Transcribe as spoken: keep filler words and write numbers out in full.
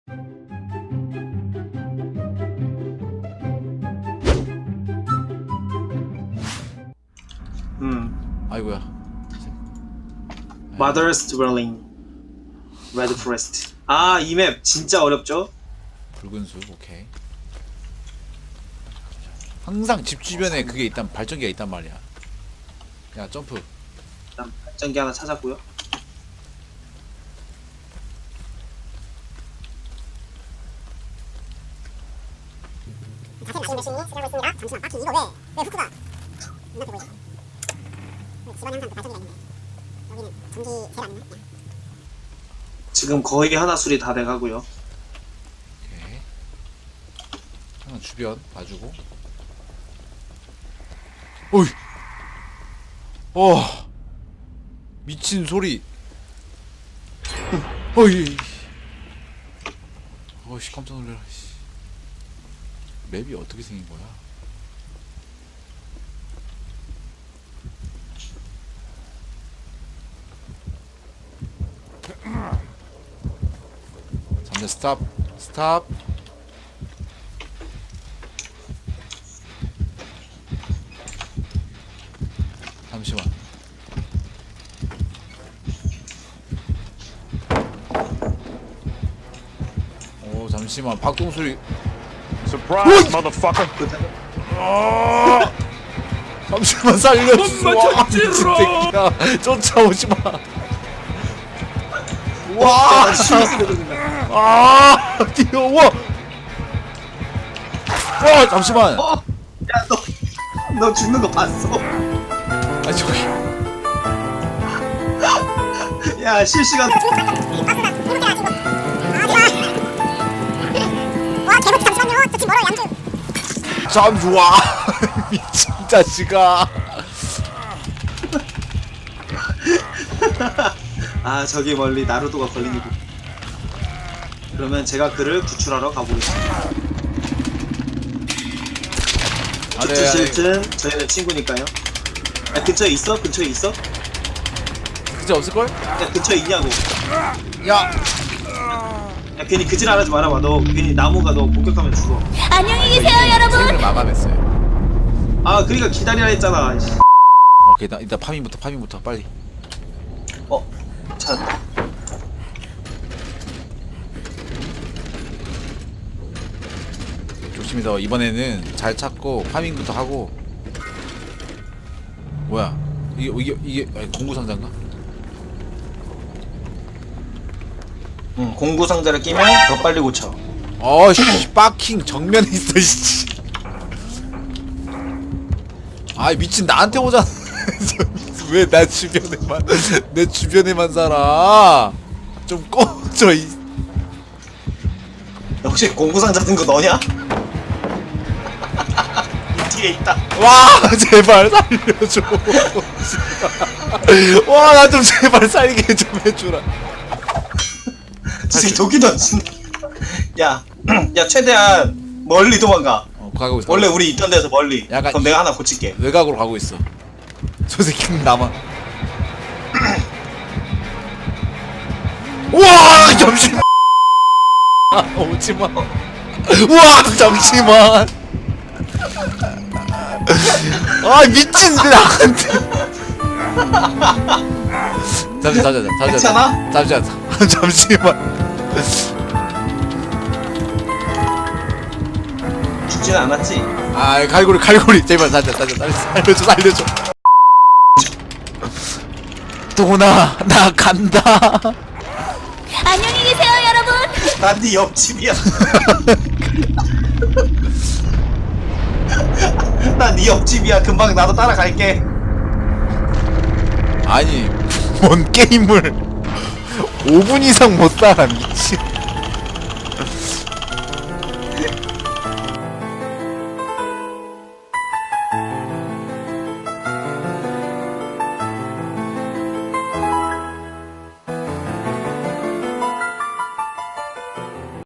음. 아이고야. Mother's Dwelling, Red Forest. 아, 이 맵 진짜 어렵죠? 붉은 숲, 오케이. 항상 집 주변에 그게 있단, 발전기가 있단 말이야. 야, 점프. 일단 발전기 하나 찾았고요. 자세히 마시는 대신이 쓰라고 있습니다. 잠시만, 딱히 이거 왜, 왜 후크가 눈앞에 보이죠? 집안에 항상 그 발전기가 있는데 여기는 전기 젤 아니나? 그냥. 지금 거의 하나 술이 다 돼가고요. 오케이. 하나 주변 봐주고. 어이! 어! 미친 소리! 어이! 어이씨, 깜짝 놀래라, 씨. 맵이 어떻게 생긴 거야? 잠깐 스탑 스탑. 잠시만. 오 잠시만 박동수리. Surprise, motherfucker! 아! 잠시만 살려주소. 와 미친 새끼야 쫓아오지마. 와! 아! 뛰어와! 와! 잠시만! 어? 야, 너, 너 죽는 거 봤어? 아니 저기 야, 실시간. 와, 개복 잠시만요. 저 집 멀어요, 양주. 잠시 와! 미친 자식아. 아, 저기 멀리 나루도가 걸리는 곳. 그러면 제가 그를 구출하러 가보겠습니다. 아네 슈트 실튼, 저희는 친구니까요. 야, 근처에 있어? 근처에 있어? 진짜 없을걸? 야, 근처에 있냐고. 야! 야, 괜히 그질 안 하지 말아봐. 너 괜히 나무가 너 공격하면 죽어. 안녕히 계세요, 여러분. 생을 마감했어요. 아, 그러니까 기다리라 했잖아. 씨. 오케이 나 일단 파밍부터 파밍부터 빨리. 어, 찾았다. 좋습니다. 이번에는 잘 찾고 파밍부터 하고. 뭐야? 이게 이게 이게 아니, 공구 상자인가? 응, 공구 상자를 끼면 더 빨리 고쳐. 어씨 빠킹 정면에 있어 씨. 아 미친 나한테 오잖아. 왜 나 주변에만 내 주변에만 살아? 좀 꺼져 이. 혹시 공구 상자 든 거 너냐? 이 뒤에 있다. 와 제발 살려줘. 와 나 좀 제발 살게 좀 해주라. 지금 도끼 던진. 야, 야 최대한 멀리 도망가. 어 가고 있어. 원래 우리 있던 데서 멀리. 약간 그럼 이- 내가 하나 고칠게. 외곽으로 가고 있어. 저 새끼는 나만. 우와 잠시만. 아, 오지마. 우와 잠시만. 아 미친 나한테. 잠시 잠시 잠시 괜찮아? 잠시 잠시 잠시만. 죽진 않았지? 아 갈고리 갈고리 제발 살려 살려 살려 살려줘 살려줘. 도나 나 간다. 안녕히 계세요, 여러분. 난 네 옆집이야. 난 네 옆집이야. 금방 나도 따라갈게. 아니 뭔 게임을 오 분 이상 못 살아 미친.